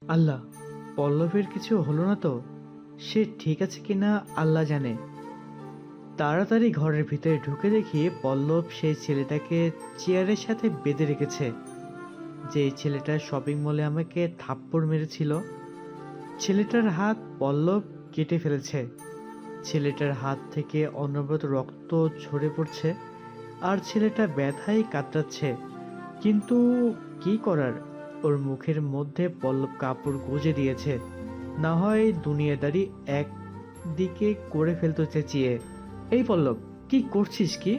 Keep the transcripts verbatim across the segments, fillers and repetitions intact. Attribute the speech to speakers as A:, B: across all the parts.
A: আল্লাহ, পল্লবের কিছু হলো না তো? সে ঠিক আছে কিনা আল্লাহ জানে। তাড়াতাড়ি ঘরের ভিতরে ঢুকে দেখি পল্লব সেই ছেলেটাকে চেয়ারের সাথে বেঁধে রেখেছে, যে ছেলেটা শপিং মলে আমাকে থাপ্পড় মেরেছিল। ছেলেটার হাত পল্লব কেটে ফেলেছে। ছেলেটার হাত থেকে অনবরত রক্ত ঝরে পড়ছে, আর ছেলেটা ব্যথায় কাতরাচ্ছে। কিন্তু কি করার, ওর মুখের মধ্যে পল্লব কাপড় গুঁজে দিয়েছে, না হয় দুনিয়াদারি একদিকে করে ফেলতে চেঁচিয়ে। এই পল্লব, কি করছিস কি?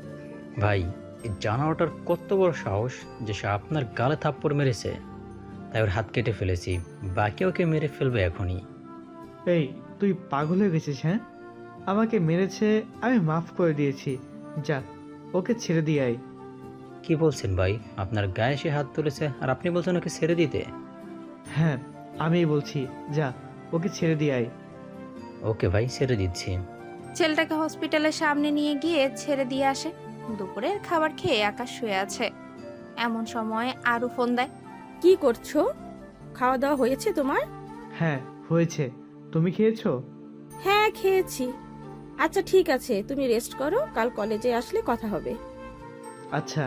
B: ভাই, এই জানোয়ারটার কত বড় সাহস যে সে আপনার গালে থাপ্পড় মেরেছে। তাই ওর হাত কেটে ফেলেছি, বাকি ওকে মেরে ফেলবে এখনই।
A: এই, তুই পাগল হয়ে গেছিস? হ্যাঁ, আমাকে মেরেছে, আমি মাফ করে দিয়েছি। যা, ওকে ছেড়ে দিয়ে আয়।
B: কি বলছেন ভাই? আপনার গায়ে সে হাত তুলেছে আর আপনি বলছেন ওকে ছেড়ে দিতে?
A: হ্যাঁ, আমিই বলছি, যা, ওকে ছেড়ে দিয়ে আয়।
B: ওকে ভাই, ছেড়ে দিচ্ছি।
C: ছেলেটাকে হসপিটালের সামনে নিয়ে গিয়ে ছেড়ে দিয়ে আসে। দুপুরের খাবার খেয়ে আকাশ শুয়ে আছে। এমন সময় আরু ফোন দেয়।
D: কি করছো? খাওয়া দাওয়া হয়েছে তোমার?
A: হ্যাঁ, হয়েছে। তুমি খেয়েছো?
D: হ্যাঁ, খেয়েছি। আচ্ছা ঠিক আছে, তুমি রেস্ট করো, কাল কলেজে আসলে কথা হবে।
A: আচ্ছা।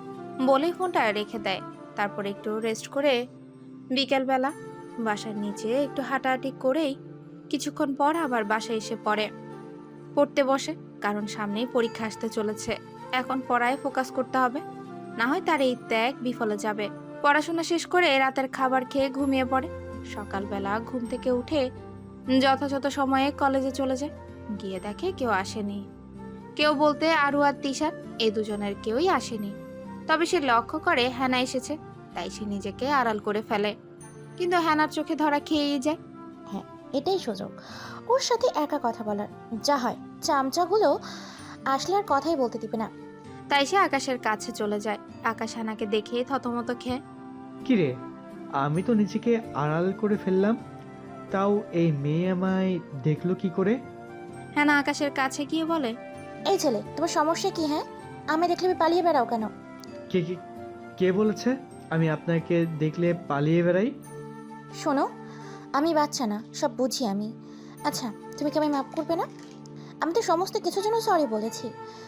C: বলেই ফোনটা রেখে দেয়। তারপর একটু রেস্ট করে বিকেলবেলা বাসার নিচে একটু হাঁটাহাঁটি করেই কিছুক্ষণ পর আবার বাসায় এসে পড়ে। পড়তে বসে, কারণ সামনেই পরীক্ষা আসতে চলেছে। এখন পড়ায় ফোকাস করতে হবে, না হয় তার এই ত্যাগ বিফলে যাবে। পড়াশোনা শেষ করে রাতের খাবার খেয়ে ঘুমিয়ে পড়ে। সকালবেলা ঘুম থেকে উঠে যথাযথ সময়ে কলেজে চলে যায়। গিয়ে দেখে কেউ আসেনি। কেউ বলতে আরু আর তিশান, এই দুজনের কেউই আসেনি। তবে সে লক্ষ্য করে হ্যানা এসেছে, তাই সে নিজেকে আড়াল করে ফেলে। কিন্তু হ্যানার চোখে ধরা খেয়েই যায়।
E: হ্যাঁ, এটাই সুযোগ ওর সাথে একা কথা বলার। যা হয়, চামচাগুলো আসলে আর কথাই বলতে দিবে না।
C: তাই সে আকাশের কাছে চলে যায়। আকাশ হ্যানাকে দেখে থতমত খেয়ে।
A: কিরে, আমি তো নিজেকে আড়াল করে ফেললাম, তাও এই মেয়ে আমায় দেখলো কি করে?
C: হ্যানা আকাশের কাছে গিয়ে বলে,
E: এই ছেলে, তোমার সমস্যা কি? হ্যাঁ, আমি দেখলে আমি পালিয়ে বেড়াও কেন?
A: কে কে কে বলেছে আমি আপনাকে দেখলে পালিয়ে বেড়াই?
E: শোনো, আমি বাচ্চা না, সব বুঝি আমি। আচ্ছা, তুমি কি আমায় মাফ করবে না? আমি তো সমস্ত কিছুর জন্য সরি বলেছি,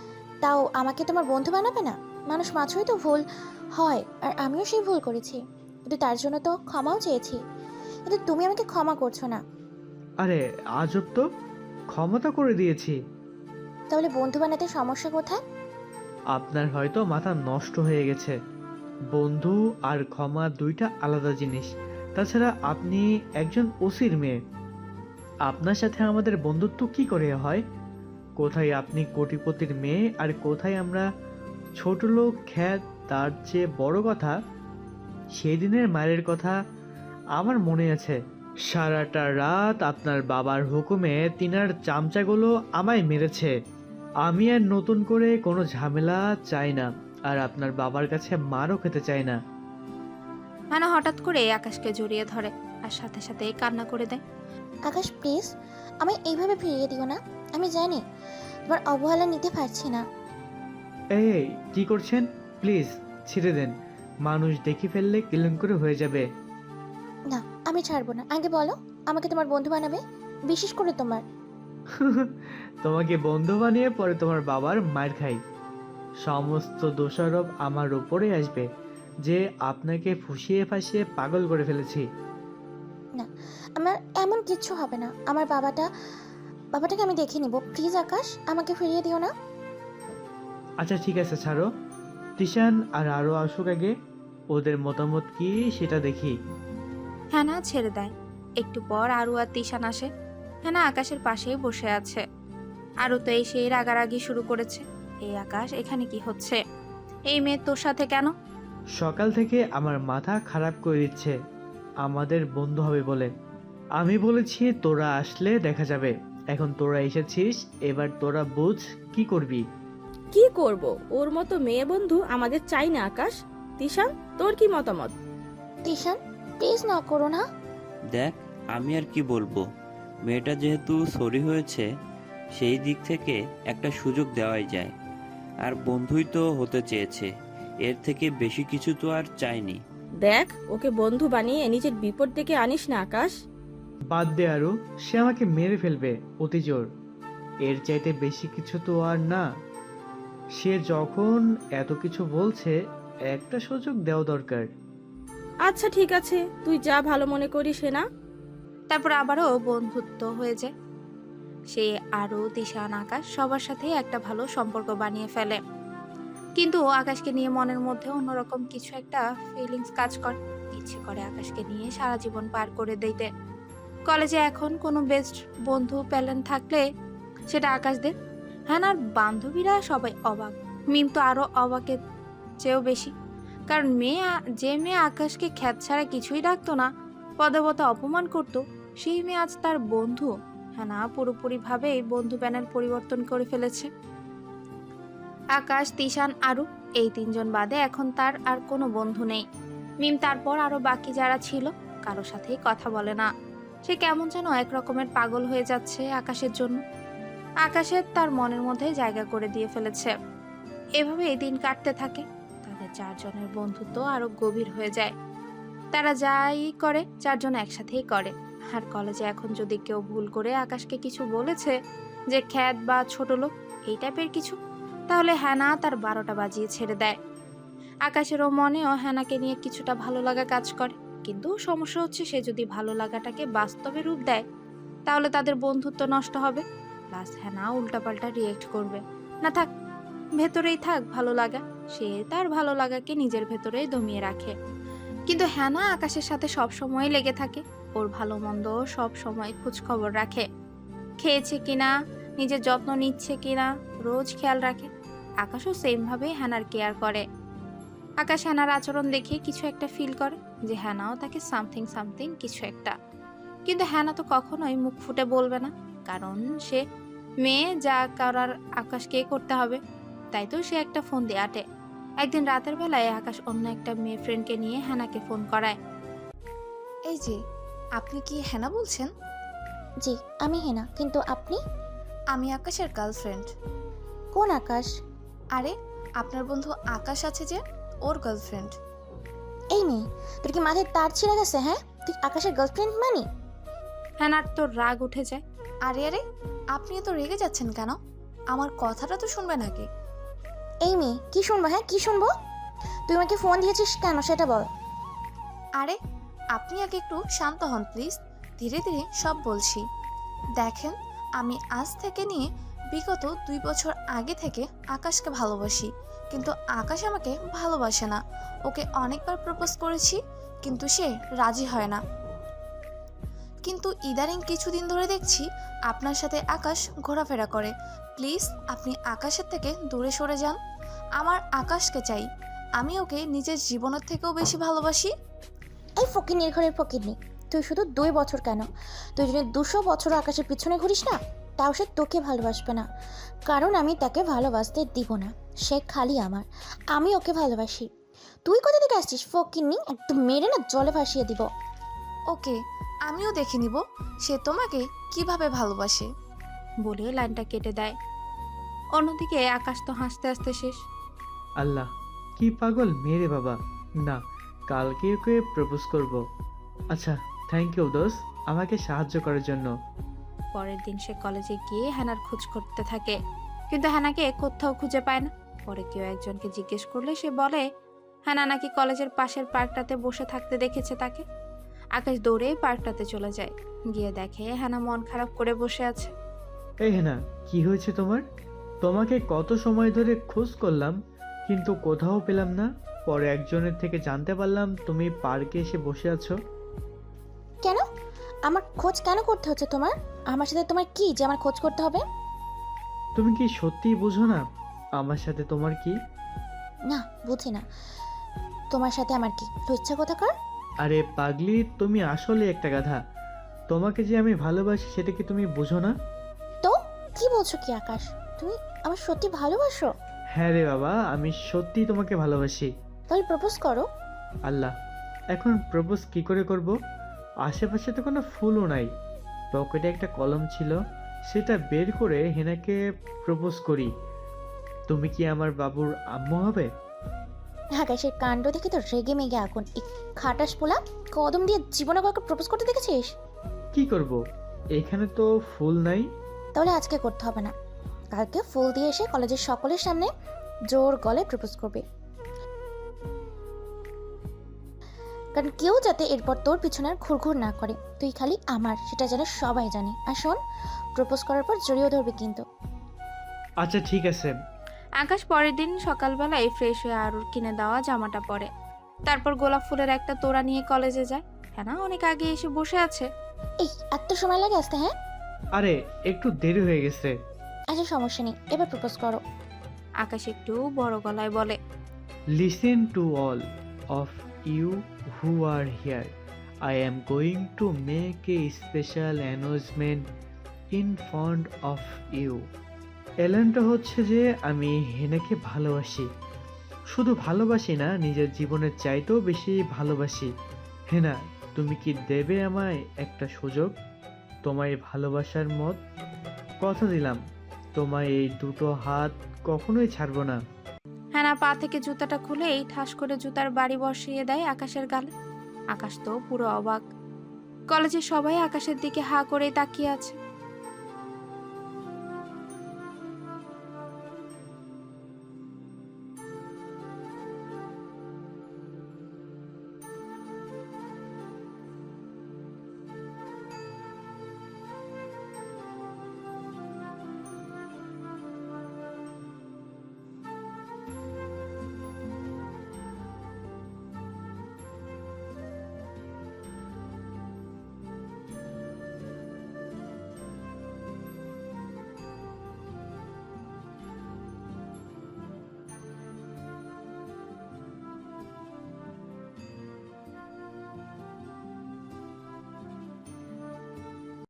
E: তাও আমাকে তোমার বন্ধু বানাবে না? মানুষ মাত্রই তো ভুল হয়, আর আমিও সেই ভুল করেছি, কিন্তু তার জন্য তো ক্ষমাও চেয়েছি। কিন্তু তুমি আমাকে ক্ষমা করছো না।
A: আরে আজব তো, ক্ষমতা করে দিয়েছি।
E: তাহলে বন্ধু বানাতে সমস্যা কোথায়?
A: আপনার হয়তো মাথা নষ্ট হয়ে গেছে। বন্ধু আর ক্ষমা দুইটা আলাদা জিনিস। তাছাড়া আপনি একজন ওসির মেয়ে, আপনার সাথে আমাদের বন্ধুত্ব কি করে হয়? কোথায় আপনি কোটিপতির মেয়ে আর কোথায় আমরা ছোট লোক খ্যাত। তার চেয়ে বড় কথা, সেই দিনের মায়ের কথা আমার মনে আছে। সারাটা রাত আপনার বাবার হুকুমে তিনার চামচাগুলো আমায় মেরেছে। আমি আর নতুন করে কোনো ঝামেলা চাই না, আর আপনার বাবার কাছে মারও খেতে চাই না।
C: হ্যানা হঠাৎ করে আকাশকে জড়িয়ে ধরে আর সাথে সাথে কান্না করে দেয়।
E: আকাশ প্লিজ, আমায় এইভাবে ফিরিয়ে দিও না। আমি জানি তোমার অবহেলা নিতে পারছি না।
A: এই কি করছেন? প্লিজ ছেড়ে দেন, মানুষ দেখে ফেললে কেলেঙ্কারি হয়ে যাবে।
E: না, আমি ছাড়বো না। আগে বলো, আমাকে তোমার বন্ধু বানাবে? বিশেষ করে তোমার।
A: তোমাকে বন্ধু বানিয়ে পরে তোমার বাবার মার খাই। সমস্ত দোষারোপ আমার উপরে আসবে যে আপনাকে ফুসিয়ে ফাঁসিয়ে পাগল করে ফেলেছি।
E: না, আমার এমন কিচ্ছু হবে না। আমার বাবাটা বাবাটাকে আমি দেখে নিব। প্লিজ আকাশ, আমাকে ফিরিয়ে দিও না।
A: আচ্ছা ঠিক আছে, ছাড়ো। তিশান আর আরও আসুক আগে, ওদের মতামত কি সেটা দেখি।
C: হ্যানা ছেড়ে দেয়। একটু পর আরু আর তিশান আসে। হ্যানা আকাশের পাশেই বসে আছে। আরু তো এসে রাগারাগি শুরু করেছে। এই আকাশ, এখানে কি হচ্ছে? এই মেয়ে তোর সাথে কেন?
A: সকাল থেকে আমার মাথা খারাপ করে দিচ্ছে আমাদের বন্ধু হবে বলে। আমি বলেছি তোরা আসলে দেখা যাবে, এখন তোরা এসেছিস, এবার তোরা বুঝ কি করবি।
D: কি করব? ওর মতো মেয়ে বন্ধু আমাদের চাই না আকাশ। তিশান, তোর কি মতামত?
E: তিশান, প্লিজ না করো না।
F: দেখ, আমি আর কি বলবো, মেয়েটা যেহেতু সরি হয়েছে, সেই দিক থেকে একটা সুযোগ দেওয়াই যায়। আর বন্ধুই তো হতে চেয়েছে, এর থেকে বেশি কিছু তো আর চাইনি।
D: দেখ, ওকে বন্ধু বানিয়ে নিজের বিপদ ডেকে আনিস না আকাশ।
A: বাদ দে আরু, সে আমাকে মেরে ফেলবে অতি জোর। এর চাইতে বেশি কিছু তো আর না। সে যখন এত কিছু বলছে, একটা সুযোগ দেওয়া দরকার।
D: আচ্ছা ঠিক আছে, তুই যা ভালো মনে করিস না।
C: তারপর আবারও বন্ধুত্ব হয়ে যায়। সে আরও তিশান আকাশ সবার সাথে একটা ভালো সম্পর্ক বানিয়ে ফেলে। কিন্তু আকাশকে নিয়ে মনের মধ্যে অন্যরকম কিছু একটা ফিলিংস কাজ করে। ইচ্ছে করে আকাশকে নিয়ে সারা জীবন পার করে দিতে। কলেজে এখন কোনো বেস্ট বন্ধু প্যালেন থাকলে সেটা আকাশদের। হ্যাঁ, আর বান্ধবীরা সবাই অবাক। মিম তো আরো অবাকের চেয়েও বেশি। কারণ মেয়ে আ- যে মেয়ে আকাশকে খ্যাত ছাড়া কিছুই ডাকতো না, পদে পদে অপমান করত, সেই মেয়ে আজ তার বন্ধু। হ্যাঁ, না পুরোপুরি ভাবেই বন্ধু প্যানেল পরিবর্তন করে ফেলেছে। আকাশ, তিশান, আরু এই তিনজন বাদে এখন তার আর কোনো বন্ধু নেই। মিম তারপর আরো বাকি যারা ছিল কারোর সাথেই কথা বলে না। সে কেমন যেন এক রকমের পাগল হয়ে যাচ্ছে আকাশের জন্য। আকাশের তার মনের মধ্যে জায়গা করে দিয়ে ফেলেছে। এভাবে এই দিন কাটতে থাকে। তাদের চারজনের বন্ধুত্ব আরো গভীর হয়ে যায়। তারা যাই করে চারজন একসাথেই করে। আর কলেজে এখন যদি কেউ ভুল করে আকাশকে কিছু বলেছে, যে খ্যাত বা ছোট লোক এই টাইপের কিছু, তাহলে হ্যানা তার বারোটা বাজিয়ে ছেড়ে দেয়। আকাশেরও মনেও হ্যানাকে নিয়ে কিছুটা ভালো লাগা কাজ করে। কিন্তু সমস্যা হচ্ছে, সে যদি ভালো লাগাটাকে বাস্তবে রূপ দেয় তাহলে তাদের বন্ধুত্ব নষ্ট হবে। প্লাস হ্যানা উল্টাপাল্টা রিয়েক্ট করবে। না থাক, ভেতরেই থাক ভালো লাগা। সে তার ভালো লাগাকে নিজের ভেতরেই দমিয়ে রাখে। কিন্তু হ্যানা আকাশের সাথে সব সময় লেগে থাকে। ওর ভালো মন্দ সব সময় খোঁজ খবর রাখে। খেয়েছে কিনা, নিজের যত্ন নিচ্ছে কিনা রোজ খেয়াল রাখে। আকাশও সেম ভাবে হ্যানার কেয়ার করে। আকাশ হ্যানার আচরণ দেখে কিছু একটা ফিল করে যে হ্যানাও তাকে সামথিং সামথিং কিছু একটা। কিন্তু হ্যানা তো কখনোই মুখ ফুটে বলবে না, কারণ সে মেয়ে, যা করার আকাশকে করতে হবে। তাই তো সে একটা ফোন দিয়ে আটে। একদিন রাতের বেলায় আকাশ অন্য একটা মেয়ে ফ্রেন্ডকে নিয়ে হ্যানাকে ফোন করায়।
G: এই যে, আপনি কি হেনা বলছেন?
E: জি, আমি হেনা, কিন্তু আপনি?
G: আমি আকাশের গার্লফ্রেন্ড।
E: কোন আকাশ?
G: আরে, আপনার বন্ধু আকাশ আছে যে, ওর গার্লফ্রেন্ড।
E: এই মেয়ে, তোর কি মাথায় তার ছিঁড়ে গেছে? হ্যাঁ, তুই আকাশের গার্লফ্রেন্ড মানি?
C: হ্যানার তো রাগ উঠে যায়।
G: আরে আরে, আপনি এত রেগে যাচ্ছেন কেন? আমার কথাটা তো শুনবেন আগে।
E: এই মেয়ে, কি শুনবো? হ্যাঁ, কি শুনবো? তুই আমাকে ফোন দিয়েছিস কেন সেটা বল।
G: আরে, আপনি আগে একটু শান্ত হন প্লিজ। ধীরে ধীরে সব বলছি। দেখেন, আমি আজ থেকে নিয়ে বিগত দুই বছর আগে থেকে আকাশকে ভালোবাসি, কিন্তু আকাশ আমাকে ভালোবাসে না। ওকে অনেকবার প্রপোজ করেছি, কিন্তু সে রাজি হয় না। কিন্তু ইদানিং কিছুদিন ধরে দেখছি আপনার সাথে আকাশ ঘোরাফেরা করে। প্লিজ আপনি আকাশের থেকে দূরে সরে যান। আমার আকাশকে চাই। আমি ওকে নিজের জীবনের থেকেও বেশি ভালোবাসি।
E: এই ফকির ঘরের ফকিরনি, তুই শুধু দুই বছর কেন, তুই যদি দুশো বছর আকাশের পিছনে ঘুরিস না, তাও সে তোকে ভালোবাসবে না। কারণ আমি তাকে ভালোবাসতে দিব না। সে খালি আমার, আমি ওকে ভালোবাসি। তুই কোথা থেকে আসছিস ফকিরনি? একদম মেরে না জলে ভাসিয়ে দিব।
G: ওকে, আমিও দেখে নিব সে তোমাকে কিভাবে ভালোবাসে।
C: বলে লাইনটা কেটে দেয়। অন্যদিকে আকাশ তো হাসতে হাসতে শেষ।
A: আল্লাহ, কি পাগল মেরে বাবা। না, কালকে ওকে প্রপোজ করব। আচ্ছা, থ্যাংক ইউ দোস্ত, আমাকে সাহায্য করার জন্য।
C: পরের দিন সে কলেজে গিয়ে হ্যানার খোঁজ করতে থাকে, কিন্তু হ্যানাকে কোথাও খুঁজে পায় না। পরে কেউ একজনকে জিজ্ঞেস করলে সে বলে হ্যানা নাকি কলেজের পাশের পার্কটাতে বসে থাকতে দেখেছে তাকে। আকাশ দৌড়ে পার্কটাতে চলে যায়। গিয়ে দেখে হ্যানা মন খারাপ করে বসে আছে।
A: এই হেনা, কি হয়েছে তোমার? তোমাকে কত সময় ধরে খোঁজ করলাম, কিন্তু কোথাও পেলাম না। পরে একজনের থেকে জানতে পারলাম তুমি পার্কে এসে বসে আছো।
E: কেন? আমার খোঁজ কেন করতে হচ্ছে তোমার? আমার সাথে তোমার কি যে আমার খোঁজ করতে হবে?
A: তুমি কি সত্যিই বুঝো না আমার সাথে তোমার কি?
E: না, বুঝি না। তোমার সাথে আমার কি? তো ইচ্ছা কোথাকার?
A: আরে পাগলি, তুমি আসলে একটা গাধা। তোমাকে যে আমি ভালোবাসি সেটা কি তুমি বুঝো না?
E: তো কি বলছো কি আকাশ? তুমি আমার সত্যি ভালোবাসো?
A: হ্যাঁ রে বাবা, আমি সত্যিই তোমাকে ভালোবাসি।
E: তাহলে প্রপোজ করো।
A: আল্লাহ, এখন প্রপোজ কি করে করব? আশেপাশে তো কোনো ফুলও নাই। পকেটে একটা কলম ছিল, সেটা বের করে হেনাকে প্রপোজ করি। তুমি কি আমার বাবুর আম্মু হবে?
E: আকাশের কাণ্ড দেখে তো রেগে মেগে আগুন। এই খাটাস পোলা, কদম দিয়ে জীবনে কাউকে প্রপোজ করতে দেখেছিস?
A: কি করব? এখানে তো ফুল নাই।
E: তাহলে আজকে করতে হবে না, কালকে ফুল দিয়ে এসে কলেজের সকলের সামনে জোর গলায় প্রপোজ করবে। কারণ কেউ যাতে এরপর তোর পিছনে আর ঘুরঘুর না করে, তুই খালি আমার, সেটা যেন সবাই জানে। আর শোন, প্রপোজ করার পর জড়িয়ে ধরবে কিন্তু।
A: আচ্ছা ঠিক আছে।
C: আকাশ পরের দিন সকালবেলায় ফ্রেশ হয়ে আরুর কিনে দেওয়া জামাটা পরে, তারপর গোলাপ ফুলের একটা তোড়া নিয়ে কলেজে যায়। হ্যাঁ, অনেক আগে এসে বসে আছে।
E: এই এত সময় লাগে আসতে? হ্যাঁ,
A: আরে একটু দেরি হয়ে গেছে।
E: আচ্ছা সমস্যা নেই, এবার প্রপোজ করো।
C: আকাশ একটু বড় গলায় বলে,
A: listen to all of you who are here, I am going to make a special announcement in front of you. এলানটা হচ্ছে যে আমি হেনাকে ভালোবাসি, শুধু ভালোবাসি না, নিজের জীবনের চাইতেও বেশি ভালোবাসি। হেনা, তুমি কি দেবে আমায় একটা সুযোগ, তোমায় ভালোবাসার মত? কথা দিলাম, তোমায় এই দুটো হাত কখনোই ছাড়বো না।
C: হ্যাঁ, পা থেকে জুতাটা খুলেই ঠাস করে জুতার বাড়ি বসিয়ে দেয় আকাশের গালে। আকাশ তো পুরো অবাক। কলেজে সবাই আকাশের দিকে হা করে তাকিয়ে আছে।